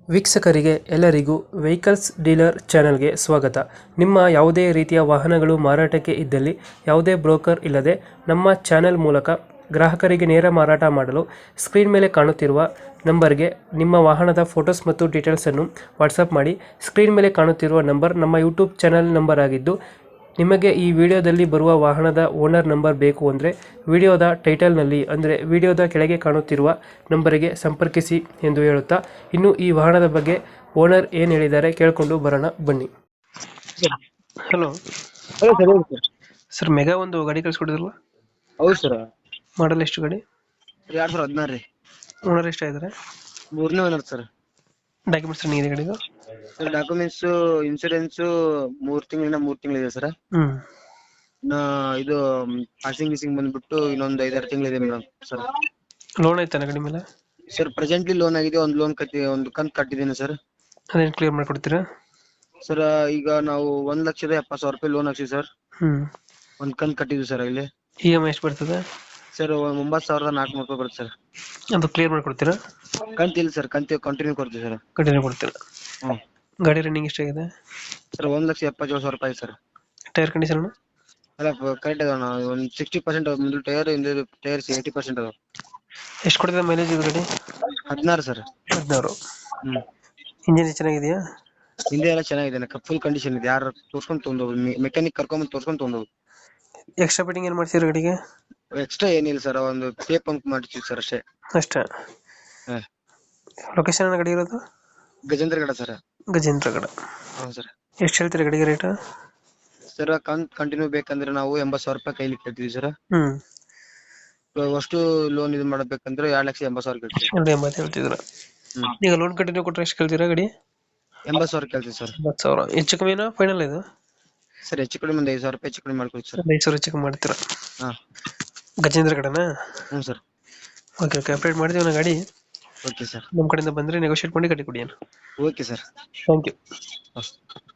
ವೀಕ್ಷಕರಿಗೆ ಎಲ್ಲರಿಗೂ vehicles dealer ಚಾನೆಲ್ಗೆ ಸ್ವಾಗತ. ನಿಮ್ಮ ಯಾವುದೇ ರೀತಿಯ ವಾಹನಗಳು ಮಾರಾಟಕ್ಕೆ ಇದ್ದಲ್ಲಿ ಯಾವುದೇ ಬ್ರೋಕರ್ ಇಲ್ಲದೆ ನಮ್ಮ ಚಾನೆಲ್ ಮೂಲಕ ಗ್ರಾಹಕರಿಗೆ ನೇರ ಮಾರಾಟ ಮಾಡಲು ಸ್ಕ್ರೀನ್ ಮೇಲೆ ಕಾಣುತ್ತಿರುವ ನಂಬರ್ಗೆ ನಿಮ್ಮ ವಾಹನದ ಫೋಟೋಸ್ ಮತ್ತು ಡೀಟೇಲ್ಸನ್ನು ವಾಟ್ಸಪ್ ಮಾಡಿ. ಸ್ಕ್ರೀನ್ ಮೇಲೆ ಕಾಣುತ್ತಿರುವ ನಂಬರ್ ನಮ್ಮ ಯೂಟ್ಯೂಬ್ ಚಾನೆಲ್ ನಂಬರ್ ಆಗಿದ್ದು, ನಿಮಗೆ ಈ ವಿಡಿಯೋದಲ್ಲಿ ಬರುವ ವಾಹನದ ಓನರ್ ನಂಬರ್ ಬೇಕು ಅಂದರೆ ವಿಡಿಯೋದ ಟೈಟಲ್ನಲ್ಲಿ ಅಂದರೆ ವಿಡಿಯೋದ ಕೆಳಗೆ ಕಾಣುತ್ತಿರುವ ನಂಬರಿಗೆ ಸಂಪರ್ಕಿಸಿ ಎಂದು ಹೇಳುತ್ತಾ, ಇನ್ನು ಈ ವಾಹನದ ಬಗ್ಗೆ ಓನರ್ ಏನು ಹೇಳಿದ್ದಾರೆ ಕೇಳಿಕೊಂಡು ಬರೋಣ ಬನ್ನಿ. ಹಲೋ ಹಲೋ ಸರ್, ಹೇಳಿ ಸರ್. ಸರ್, ಮೆಗಾ ಒಂದು ಗಾಡಿ ಕಳಿಸ್ಕೊಡಿದ್ರಲ್ಲ, ಹೌದು ಸರ್. ಮಾಡಲ್ ಎಷ್ಟು ಗಾಡಿ? 2016 ರೀ. ಓನರ್ ಎಷ್ಟಾಗಿದ್ದಾರೆ? ಮೂರನೇ ಓನರ್ ಸರ್. ಡಾಕ್ಯುಮೆಂಟ್ಸ್ ರನ್ನಿಂಗ್ ಇದೆ ಗಾಡಿದು? ಸರ್ ಡಾಕ್ಯುಮೆಂಟ್ಸ್ ಇನ್ಶೂರೆನ್ಸ್ 3 ತಿಂಗಳಿದೆ ಸರ್. ಇದು ಪಾಸಿಂಗ್ ಗೀಸಿಂಗ್ ಬಂದ್ಬಿಟ್ಟು ಇನ್ನೊಂದು 5-6 ತಿಂಗಳಿದೆ ಮೇಡಮ್ ಸರ್. ಲೋನ್ ಐತಾನ ಗಾಡಿ ಮೇಲೆ? ಸರ್ ಪ್ರೆಸೆಂಟ್ಲಿ ಲೋನ್ ಆಗಿದೆ, ಒಂದು ಕಂತು ಕಟ್ಟಿದ್ದೀನಿ ಸರ್. ಅದೇನು ಕ್ಲಿಯರ್ ಮಾಡ್ಕೊಡ್ತೀರಾ? ಸರ್ ಈಗ ನಾವು 1,70,000 ರೂಪಾಯಿ ಲೋನ್ ಹಾಕ್ಸಿವಿ ಸರ್. ಒಂದು ಕಂತು ಕಟ್ಟಿದ್ವಿ ಸರ್. ಇಲ್ಲಿ EMI ಎಷ್ಟು ಬರ್ತದೆ ಸರ್? 9,400 ರೂಪಾಯಿ ಬರುತ್ತೆ ಸರ್. ಅದು ಕ್ಲಿಯರ್ ಮಾಡ್ಕೊಡ್ತೀರಾ? ಕಂತು ಇಲ್ಲ ಸರ್, ಕಂತು ಕಂಟಿನ್ಯೂ ಕೊಡ್ತೀವಿ ಸರ್. ಕಂಟಿನ್ಯೂ ಕೊಡ್ತೀರಾ? ಹ್ಞೂ ಗಾಡಿ ರನ್ನಿಂಗ್ ಎಷ್ಟಾಗಿದೆ? ಸರ್ 1,77,000 ರೂಪಾಯಿ ಸರ್. Tyre condition? ಅಲ್ಲ ಕರೆಕ್ಟ್ ಅದ. ಒಂದು 60% ಮುಂದೆ ಟೈರ್, ಹಿಂದೆ ಟೈರ್ಸ್ 80% ಅದಾವ. ಎಷ್ಟು ಕೊಡ್ತದೆ ಮೈಲೇಜ್ ಇದು ಗಾಡಿ? 16 ಸರ್. 16. ಇಂಜಿನ್ ಚೆನ್ನಾಗಿದೆಯಾ? ಹಿಂದೆ ಎಲ್ಲ ಚೆನ್ನಾಗಿದೆ, ಫುಲ್ ಕಂಡೀಷನ್ ಇದೆ. ಯಾರು ತೋರ್ಸ್ಕೊಂಡ್ ತೊಗೊಂಡೋಗಿ ಮೆಕ್ಯಾನಿಕ್ ಕರ್ಕೊಂಡ್ ತೋರ್ಸ್ಕೊಂಡ್ ತೊಗೊಂಡೋಗಿ. ಎಕ್ಸ್ಟ್ರಾ ಫಿಟ್ಟಿಂಗ್ ಏನು ಮಾಡ್ತೀರಾ ಗಾಡಿಗೆ? ಎಕ್ಸ್ಟ್ರಾ ಏನಿಲ್ಲ ಸರ್, ಒಂದು ಟೇಪ್ ಪಂಪ್ ಮಾಡ್ತೀವಿ ಸರ್ ಅಷ್ಟೇ. ಅಷ್ಟೇ? ಹಾ. ಲೊಕೇಶನ್ ಗಾಡಿ ಇರೋದು? ಗಜೇಂದ್ರಗಡ ಸರ್. ಗಜೇಂದ್ರಗಡ. ಹೌದು ಸರ್. ಎಷ್ಟು ಹೇಳ್ತೀರಾ ಗಾಡಿಗೆ ರೇಟ್? ಸರ್ ಕಂಟಿನ್ಯೂ ಬೇಕಂದ್ರೆ ನಾವು 80,000 ರೂಪಾಯಿ ಕೈಲಿ ಕಟ್ತೀವಿ ಸರ್. ಅಷ್ಟು ಲೋನ್ ಇದು ಮಾಡಬೇಕಂದ್ರೆ 2,80,000 ಕೇಳ್ತೀವಿ. 2,80,000 ಹೇಳ್ತಿದ್ರ? ಈಗ ಲೋನ್ ಕಂಟಿನ್ಯೂ ಕೊಟ್ಟರೆ ಎಷ್ಟು ಕೇಳ್ತೀರಾ ಗಾಡಿ? 80,000 ಕೇಳ್ತೀವಿ ಸರ್. 80,000 ಹೆಚ್ಚು ಕಮ್ಮಿನಾ ಫೈನಲ್ ಇದು? ಸರ್ ಹೆಚ್ಚು ಕಡಿಮೆ ಒಂದು 5,000 ರೂಪಾಯಿ ಹೆಚ್ಚು ಕಡಿಮೆ ಮಾಡ್ಕೊಡ್ತೀವಿ ಸರ್. 5,000 ಹೆಚ್ಚು ಕಮ್ಮಿ ಮಾಡ್ತೀರಾ? ಹಾ. ಗಜೇಂದ್ರಗಡನಾ? ಹ್ಞೂ ಸರ್. ಓಕೆ ಓಕೆ, ಅಪ್ಡೇಟ್ ಮಾಡ್ತೀವಿ ನಾ ಗಾಡಿ. Okay sir. ನಮ್ಮ ಕಡೆಯಿಂದ ಬಂದರೆ ನೆಗೋಷಿಯೇಟ್ ಮಾಡಿ ಗಾಡಿ ಕೊಡಿ. Okay sir. Thank you.